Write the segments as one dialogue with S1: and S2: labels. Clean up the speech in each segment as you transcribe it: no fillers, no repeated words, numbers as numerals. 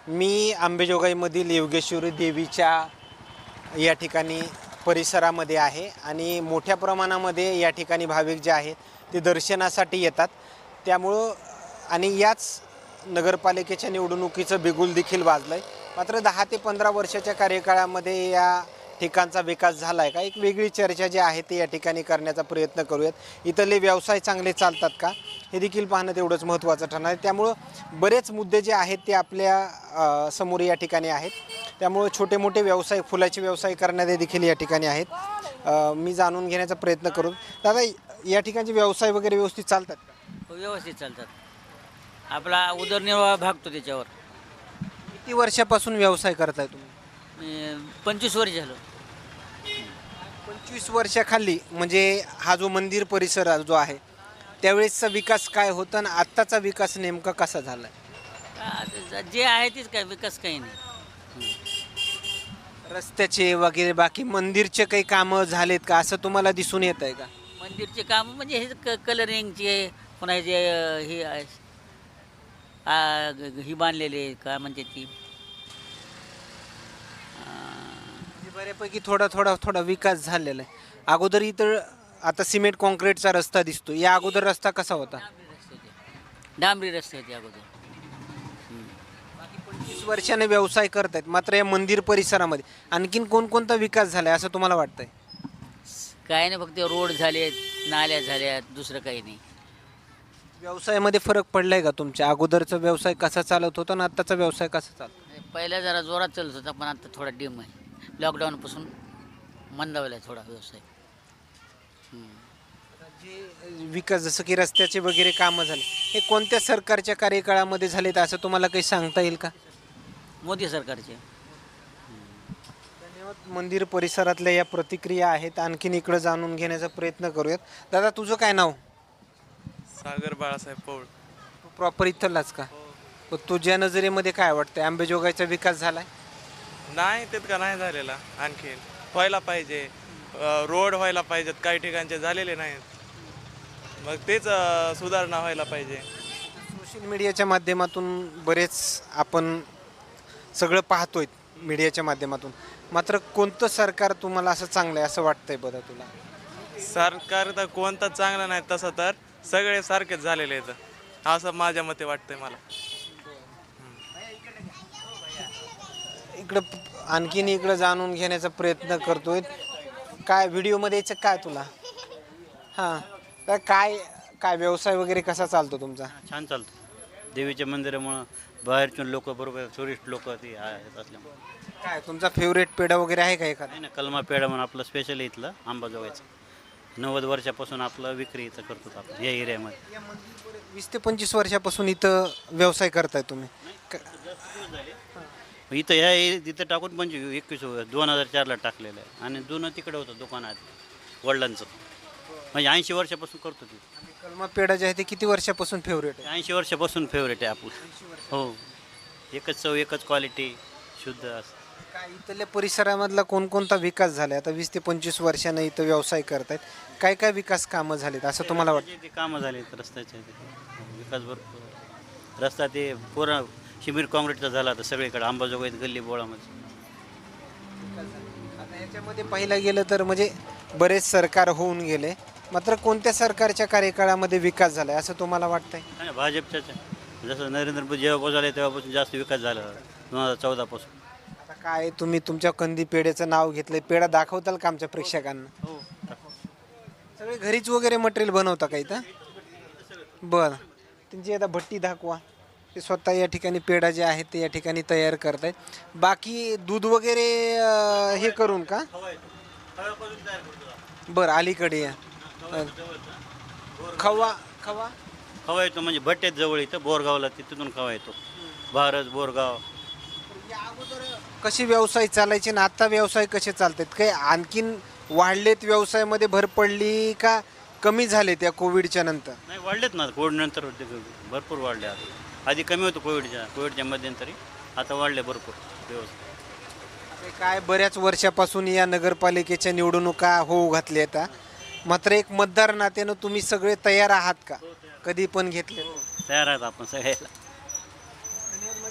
S1: मी अंबेजोगाईमधील योगेश्वरी देवीच्या या ठिकाणी परिसरामध्ये आहे आणि मोठ्या प्रमाणामध्ये या ठिकाणी भाविक जे आहेत ते दर्शनासाठी येतात. त्यामुळं आणि याच नगरपालिकेच्या निवडणुकीचं बिगुल देखील वाजलं आहे. मात्र 10 ते 15 वर्षाच्या कार्यकाळामध्ये या ठिकाणचा विकास झाला आहे का, एक वेगळी चर्चा जी आहे ती या ठिकाणी करण्याचा प्रयत्न करूयात. इथले व्यवसाय चांगले चालतात का हे देखील पाहणं तेवढंच महत्त्वाचं ठरणार आहे. त्यामुळं बरेच मुद्दे जे आहेत ते आपल्या समोर या ठिकाणी आहेत. त्यामुळं छोटे मोठे व्यवसाय, फुलाचे व्यवसाय करणारे देखील या ठिकाणी आहेत. मी जाणून घेण्याचा प्रयत्न करू. दादा, या ठिकाणचे व्यवसाय वगैरे व्यवस्थित चालतात का?
S2: व्यवस्थित चालतात. आपला उदरनिर्वाह भागतो त्याच्यावर.
S1: किती वर्षापासून व्यवसाय करताय तुम्ही?
S2: 25 वर्ष झालं.
S1: 25 वर्षाखाली म्हणजे हा जो मंदिर परिसर जो आहे त्यावेळेसचा विकास काय होता आणि आत्ताचा विकास नेमका कसा झाला?
S2: जे आहे तेच काय, विकास काही नाही.
S1: रस्त्याचे वगैरे बाकी मंदिरचे काही कामं झालेत का असं तुम्हाला दिसून येत आहे का?
S2: मंदिरचे काम म्हणजे हे कलरिंगचे, पुन्हा जे हे आहे, ही बांधलेले काय म्हणते ती,
S1: बऱ्यापैकी थोडा विकास झालेला आहे. अगोदर इथं आता सिमेंट कॉन्क्रीटचा रस्ता दिसतो. या अगोदर रस्ता कसा होता?
S2: डांबरी रस्ते होते अगोदर.
S1: 25 वर्षाने व्यवसाय करतायत, मात्र या मंदिर परिसरामध्ये आणखीन कोणकोणता विकास झालाय असं तुम्हाला वाटतंय?
S2: काय नाही, फक्त रोड झालेत, नाल्या झाल्यात, दुसरं काही नाही.
S1: व्यवसायामध्ये फरक पडलाय का तुमच्या? अगोदरचा व्यवसाय कसा चालत होता आणि आत्ताचा व्यवसाय कसा चालतो?
S2: पहिला जरा जोरात चालत होता, पण आता थोडा डिम आहे. लॉकडाऊनपासून मंदावला आहे थोडा व्यवसाय.
S1: जे विकास जसं की रस्त्याचे वगैरे कामं झाले, हे कोणत्या सरकारच्या कार्यकाळामध्ये झालेत असं तुम्हाला काही सांगता येईल का?
S2: मोदी सरकारचे.
S1: धन्यवाद. मंदिर परिसरातल्या या प्रतिक्रिया आहेत. आणखीन इकडं जाणून घेण्याचा प्रयत्न करूयात. दादा, तुझं काय नाव?
S3: सागर बाळासाहेब पौळ.
S1: तू प्रॉपर इथलाच का? तुझ्या नजरेमध्ये काय वाटतंय, अंबेजोगाईचा विकास झालाय?
S3: नाही तितका नाही झालेला, आणखी व्हायला पाहिजे. रोड व्हायला पाहिजेत, काही ठिकाणचे झालेले नाहीत. मग तेच सुधारणा व्हायला पाहिजे.
S1: सोशल मीडियाच्या माध्यमातून बरेच आपण सगळं पाहतोय मीडियाच्या माध्यमातून. मात्र कोणतं सरकार तुम्हाला असं चांगलं आहे असं वाटतंय बरं तुला?
S3: सरकार तर कोणतं चांगलं नाही, तसं तर सगळे सारखेच झालेले आहेत असं माझ्या मते वाटतंय मला.
S1: आणखीन इकडं जाणून घेण्याचा प्रयत्न करतोय. काय व्हिडिओमध्ये यायचं काय तुला? हां, तर काय काय व्यवसाय वगैरे कसा चालतो तुमचा?
S4: छान चालतं. देवीच्या मंदिरामुळं बाहेरचे लोक, बरोबर टुरिस्ट लोक ते आहेत असल्यामुळे.
S1: काय तुमचा फेवरेट पेढा वगैरे आहे का एखादा?
S4: नाही ना, कलमा पेढा म्हणून आपलं स्पेशल इथलं अंबाजोगाईचं. 90 वर्षापासून आपलं विक्री इथं करतो आपण या एरियामध्ये.
S1: 20 ते 25 वर्षापासून इथं व्यवसाय करताय तुम्ही?
S4: इथं इथं टाकून म्हणजे 2004ला टाकलेलं आहे आणि जुनं तिकडे होतं दुकानात वडिलांचं. म्हणजे 80 वर्षापासून करतो ते.
S1: कलमा पेढा जे आहे ते किती वर्षापासून फेवरेट आहे?
S4: 80 वर्षापासून फेवरेट आहे आपलं. हो, एकच चव, एकच क्वालिटी, शुद्ध असं.
S1: काय इथल्या परिसरामधला कोणकोणता विकास झाला? आता 20 ते 25 वर्षानं इथं व्यवसाय करतायत, काय काय विकास कामं झालीत असं तुम्हाला वाटतं?
S4: ते कामं झाले रस्त्याचे, विकास भरपूर. रस्ता ते पूर्ण सिमेंट काँक्रीटचा झाला तर सगळीकडे अंबाजोगाईत गल्ली बोळामध्ये.
S1: आता याच्यामध्ये पाहिलं गेलं तर म्हणजे बरेच सरकार होऊन गेले, मात्र कोणत्या सरकारच्या कार्यकाळामध्ये विकास झालाय असं तुम्हाला वाटतंय?
S4: नाही, भाजपच्याच आहे. जसं नरेंद्र मोदी जेव्हापासून आले तेव्हापासून जास्त विकास झाला 2014पासून.
S1: आता काय तुम्ही तुमच्या कंदी पेढ्याचं नाव घेतलंय, पेढा दाखवताल का आमच्या प्रेक्षकांना?
S4: हो,
S1: सगळे घरीच वगैरे मटेरियल बनवता का इथं? बरं, त्यांची आता भट्टी दाखवा. ते स्वतः या ठिकाणी पेढा जे आहे ते या ठिकाणी तयार करतायत. बाकी दूध वगैरे हे करून का? बरं, अलीकडे या. खवा खवा
S4: खवा येतो म्हणजे भट्ट्यात जवळ इथं बोरगावला, तिथून खवा येतो. भारत बोरगाव.
S1: या अगोदर कसे व्यवसाय चालायचे ना आता व्यवसाय कसे चालतात? काही आणखीन वाढलेत, व्यवसायामध्ये भर पडली का कमी झाले त्या कोविडच्या नंतर?
S4: नाही, वाढलेत ना, कोविड नंतर भरपूर वाढले. आधी कमी होतं कोविडच्या मध्यंतरी, आता वाढले भरपूर व्यवसाय.
S1: काय बऱ्याच वर्षापासून या नगरपालिकेच्या निवडणुका होऊ घातल्या आहेत, मात्र एक मतदार नात्यानं तुम्ही सगळे तयार आहात का? कधी पण घेतले
S4: तयार आहेत आपण सगळ्याला.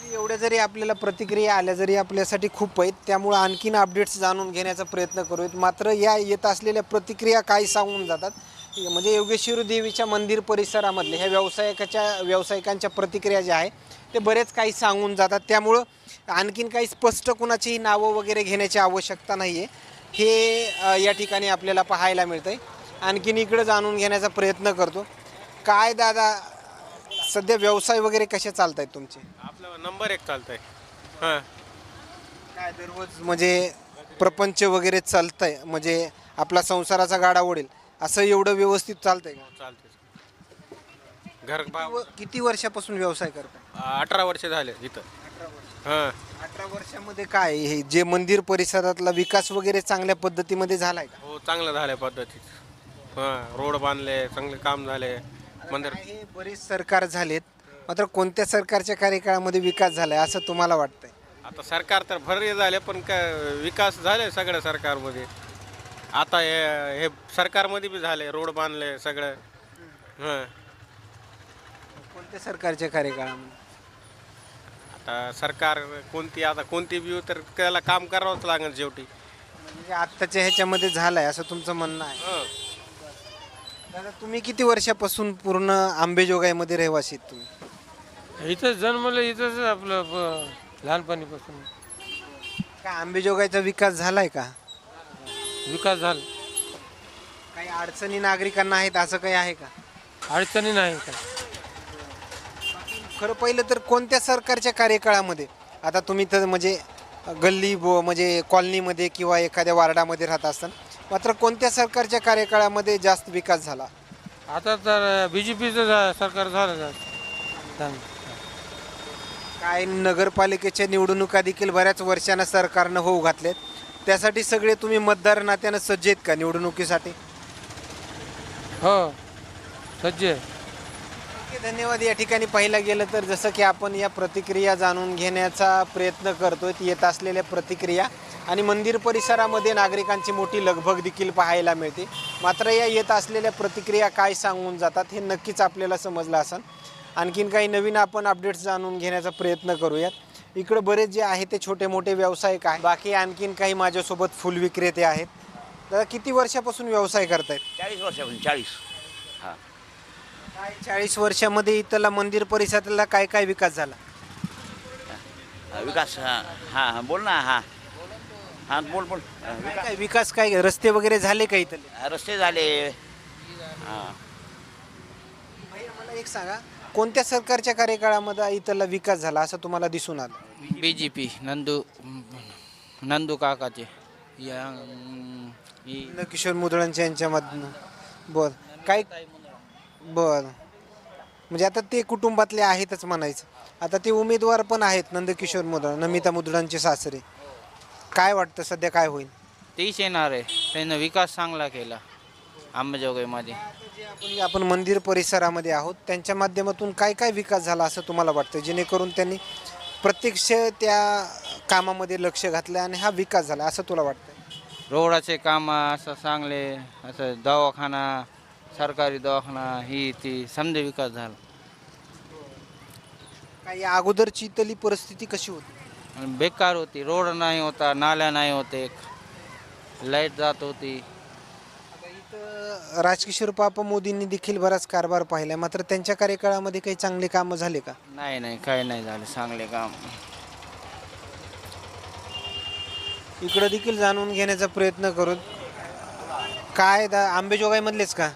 S1: एवढ्या जरी आपल्याला प्रतिक्रिया आल्या जरी आपल्यासाठी खूप आहेत, त्यामुळं आणखीन अपडेट्स जाणून घेण्याचा प्रयत्न करूयात. मात्र या येत असलेल्या प्रतिक्रिया काय सांगून जातात, म्हणजे योगेश्वरी देवीच्या मंदिर परिसरामधले ह्या व्यावसायिकांच्या प्रतिक्रिया ज्या आहे ते बरेच काही सांगून जातात. त्यामुळं आणखीन काही स्पष्ट कुणाचीही नावं वगैरे घेण्याची आवश्यकता नाही आहे, हे या ठिकाणी आपल्याला पाहायला मिळतं आहे. आणखीन इकडं जाणून घेण्याचा प्रयत्न करतो. काय दादा, सध्या व्यवसाय वगैरे कसे चालत आहेत तुमचे?
S5: आपलं नंबर 1 चालतंय. हां,
S1: काय दररोज म्हणजे प्रपंच वगैरे चालतंय, म्हणजे आपला संसाराचा गाडा ओढेल असं एवढं व्यवस्थित चालतंय का?
S5: चालतंय. घर
S1: किती वर्षापासून व्यवसाय करताय?
S5: 18 वर्ष झाले इथं. हां,
S1: 18 वर्षामध्ये काय हे जे मंदिर परिसरातला विकास वगैरे चांगल्या पद्धतीमध्ये झालाय का?
S5: हो, चांगलं झालंय पद्धतीत. हां, रोड बांधले, चांगले काम झाले. मंदिर
S1: हे बरेच सरकार झालेत, मात्र कोणत्या सरकारच्या कार्यकाळामध्ये विकास झालाय असं तुम्हाला वाटतंय?
S5: आता सरकार तर भरले झाले, पण विकास झाले सगळ्या सरकारमध्ये. आता हे सरकारमध्ये बी झाले, रोड बांधले सगळं. हां,
S1: कोणत्या सरकारच्या कार्यकाळामध्ये?
S5: आता सरकार कोणती बी येऊ तर त्याला काम करावंच लागेल शेवटी.
S1: म्हणजे आत्ताच्या ह्याच्यामध्ये झालाय असं तुमचं म्हणणं आहे?
S5: हां,
S1: दादा, तुम्ही किती वर्षापासून पूर्ण आंबेजोगाईमध्ये रहिवासी आहेत तुम्ही?
S6: इथंच जन्मलं, इथंच आपलं लहानपणीपासून
S1: काय आंबेजोगाईचा विकास झालाय का?
S6: विकास झाला.
S1: काही अडचणी नागरिकांना आहेत असं काही आहे का?
S6: अडचणी नाही काय.
S1: खरं पहिलं तर कोणत्या सरकारच्या कार्यकाळामध्ये, आता तुम्ही तर म्हणजे म्हणजे कॉलनीमध्ये किंवा एखाद्या वार्डामध्ये राहत असताना, मात्र कोणत्या सरकारच्या कार्यकाळामध्ये जास्त विकास झाला?
S6: आता तर BJPचं सरकार झालं चांगलं.
S1: काय नगरपालिकेच्या निवडणुका देखील बऱ्याच वर्षांना सरकारनं होऊ घातलेत, त्यासाठी सगळे तुम्ही मतदार नात्यानं सज्ज आहेत का निवडणुकीसाठी?
S6: हो, सज्ज आहे.
S1: ओके, धन्यवाद. या ठिकाणी पाहिलं गेलं तर जसं की आपण या प्रतिक्रिया जाणून घेण्याचा प्रयत्न करतोय, येत असलेल्या प्रतिक्रिया आणि मंदिर परिसरामध्ये नागरिकांची मोठी लगबग देखील पाहायला मिळते. मात्र या येत असलेल्या प्रतिक्रिया काय सांगून जातात हे नक्कीच आपल्याला समजलं असेल. आणखीन काही नवीन आपण अपडेट्स जाणून घेण्याचा प्रयत्न करूयात. इकडं बरेच जे आहे ते छोटे मोठे व्यावसायिक आहेत, बाकी आणखीन काही माझ्यासोबत फुल विक्रेते आहेत. दादा, किती वर्षापासून व्यवसाय करतायत?
S7: 40 वर्षापासून 40. हां,
S1: काय 40 वर्षामध्ये इथला मंदिर परिसरातला काय काय विकास झाला?
S7: विकास. हां हां, बोल ना. हां हां, बोल.
S1: काय विकास, काय रस्ते वगैरे झाले का इथले?
S7: रस्ते झाले. हां,
S1: भैया, मला एक सांगा, कोणत्या सरकारच्या कार्यकाळामध्ये इथला विकास झाला असं तुम्हाला दिसून आलं?
S8: BJP नंदू काकाचे
S1: किशोर मुदळांच्या यांच्यामधनं. बर, काय बर, म्हणजे आता ते कुटुंबातले आहेतच म्हणायचं. आता ते उमेदवार पण आहेत, नंदकिशोर मुदळ, नमिता मुदळांचे सासरे. काय वाटतं सध्या काय होईल?
S8: तेच येणार आहे. त्यानं विकास चांगला केला अंबाजोगाईमध्ये.
S1: जे आपण मंदिर परिसरामध्ये आहोत त्यांच्या माध्यमातून काय काय विकास झाला असं तुम्हाला वाटतं, जेणेकरून त्यांनी प्रत्यक्ष त्या कामामध्ये लक्ष घातलं आणि हा विकास झाला असं तुला वाटतं?
S8: रोडाचे काम असं चांगले, असं दवाखाना, सरकारी दवाखाना, ही ती समजा विकास झाला.
S1: काही अगोदरची इथली परिस्थिती कशी होती?
S8: आणि बेकार होती. रोड नाही होता, नाल्या नाही होते, लाईट जात होती.
S1: आता इथं राजकिशोर पापा मोदींनी देखील बराच कारभार पाहिला, मात्र त्यांच्या कार्यकाळामध्ये काही चांगले कामं झाले का?
S8: नाही, काही नाही झाले चांगले काम.
S1: इकडं देखील जाणून घेण्याचा प्रयत्न करू. काय आंबेजोगाईमधलेच का?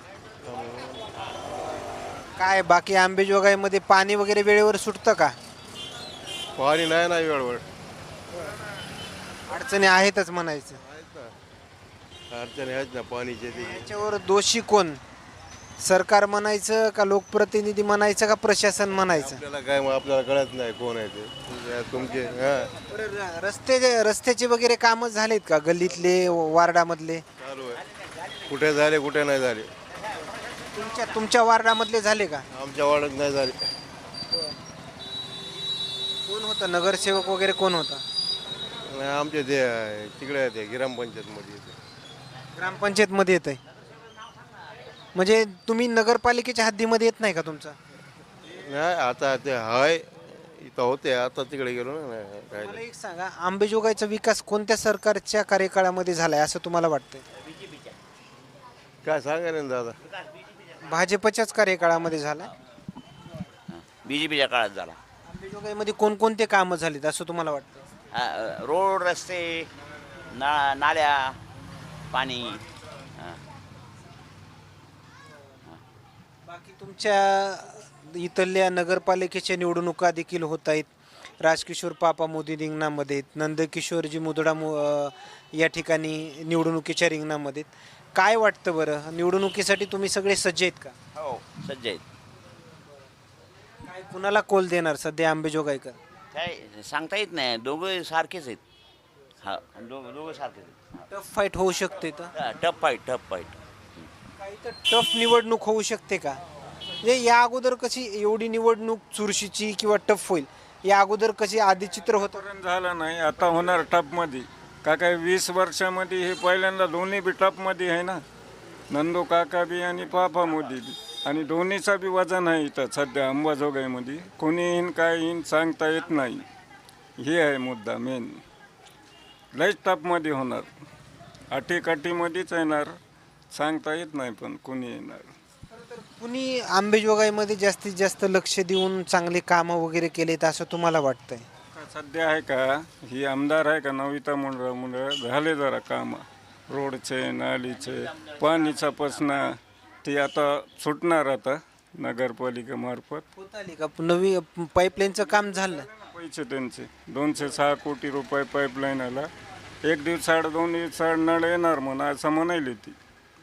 S1: काय बाकी आंबेजोगाईमध्ये पाणी वगैरे वेळेवर सुटतं का?
S9: पाणी नाही ना वेळेवर.
S1: अडचणी आहेतच म्हणायचं.
S9: अडचणी आहेत ना पाणीचे.
S1: याच्यावर दोषी कोण? सरकार म्हणायचं का लोकप्रतिनिधी म्हणायचं का प्रशासन म्हणायचं?
S9: आपल्याला कळत नाही कोण आहे ते तुमचे.
S1: बरं, रस्त्याचे वगैरे कामं झालेत का गल्लीतले, वार्डामधले?
S9: चालू आहे. कुठे झाले कुठे नाही झाले.
S1: तुमच्या वार्डामधले झाले का?
S9: आमच्या वाड्यात नाही झाले.
S1: कोण होता नगरसेवक वगैरे, कोण होता?
S9: आमचे ते तिकडे ते ग्रामपंचायतमध्ये येते.
S1: ग्रामपंचायतमध्ये येत आहे म्हणजे तुम्ही नगरपालिकेच्या हद्दीमध्ये येत नाही का तुमचा?
S9: नाही, आता ते हाय इथं होते आता तिकडे गेलो ना काय
S1: मला एक सांगा, अंबेजोगाईचा विकास कोणत्या सरकारच्या कार्यकाळामध्ये झालाय असं तुम्हाला वाटतंय?
S9: काय सांगायला ना दादा.
S1: भाजपच्याच कार्यकाळामध्ये झालाय?
S7: BJPच्या काळात झाला.
S1: अंबेजोगाईमध्ये कोणकोणते कामं झालीत असं तुम्हाला वाटतं?
S7: रोड, रस्ते, नाल्या, पाणी.
S1: बाकी तुमच्या इथल्या नगरपालिकेच्या निवडणुका देखील होत आहेत. राजकिशोर पापा मोदी रिंगणामध्ये आहेत, नंदकिशोरजी मुदडा या ठिकाणी निवडणुकीच्या रिंगणामध्ये आहेत. काय वाटतं बरं, निवडणुकीसाठी तुम्ही सगळे सज्ज आहेत का?
S7: हो, सज्ज आहेत.
S1: काय कुणाला कोल देणार सध्या अंबेजोगाईकर?
S7: काय सांगता येत नाही, दोघं सारखेच आहेत. हा, दोघं सारखेच आहेत.
S1: टफ फाईट होऊ शकते तर
S7: टफ फाईट.
S1: काही तर टफ निवडणूक होऊ शकते का? म्हणजे या अगोदर कशी एवढी निवडणूक चुरशीची किंवा टफ होईल या अगोदर कशी आधी चित्र होतं?
S10: पर्यंत झालं नाही, आता होणार टपमध्ये. का काय 20 वर्षामध्ये हे पहिल्यांदा दोन्ही बी टपमध्ये आहे ना, नंदू काका बी आणि पापा मोदी बी. आणि दोन्हीचा बी वजन आहे इथं सध्या अंबाजोगाईमध्ये. कोणी येईन काय येईन सांगता येत नाही. हे आहे मुद्दा मेन. लयच टपमध्ये होणार, अटीकटीमध्येच येणार, सांगता येत नाही पण कोणी येणार.
S1: कुणी अंबेजोगाईमध्ये जास्तीत जास्त लक्ष देऊन चांगले कामं वगैरे केलेत असं तुम्हाला वाटतंय?
S10: सध्या आहे का ही आमदार आहे का नविता मुंडळ झाले जरा कामं, रोडचे, नालीचे, पाणीचा प्रश्न ते आता सुटणार आता नगरपालिकेमार्फत.
S1: होत आली का नवी पाईपलाईनचं काम झालं?
S10: पैसे त्यांचे 206 कोटी रुपये पाईपलाईन आला. एक दिवसाआड 2 दिवसाआड नळ येणार म्हणून असं म्हणायली ती.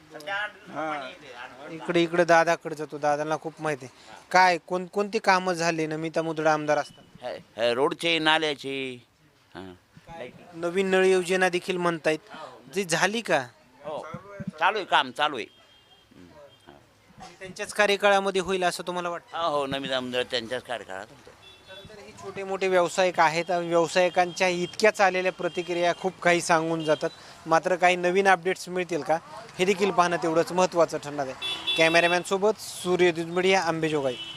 S1: इकडे दादाकडे जातो, दादाला खूप माहिती आहे. काय कोणती कामं झाली नमिता मुंदडा आमदार असतात?
S7: रोडचे, नाल्याचे. हां,
S1: नवीन नळ योजना देखील म्हणतायत, जी झाली का?
S7: हो, चालू आहे, काम चालू आहे.
S1: त्यांच्याच कार्यकाळामध्ये होईल असं तुम्हाला वाटतं?
S7: हो, नवीन आमदार त्यांच्याच कार्यकाळात होतं.
S1: तर हे छोटे मोठे व्यावसायिक आहेत, व्यावसायिकांच्या इतक्याच आलेल्या प्रतिक्रिया खूप काही सांगून जातात. मात्र काही नवीन अपडेट्स मिळतील का हे देखील पाहणं तेवढंच महत्त्वाचं ठरणार आहे. कॅमेरामॅनसोबत सूर्य दुधमडिया, अंबेजोगाई.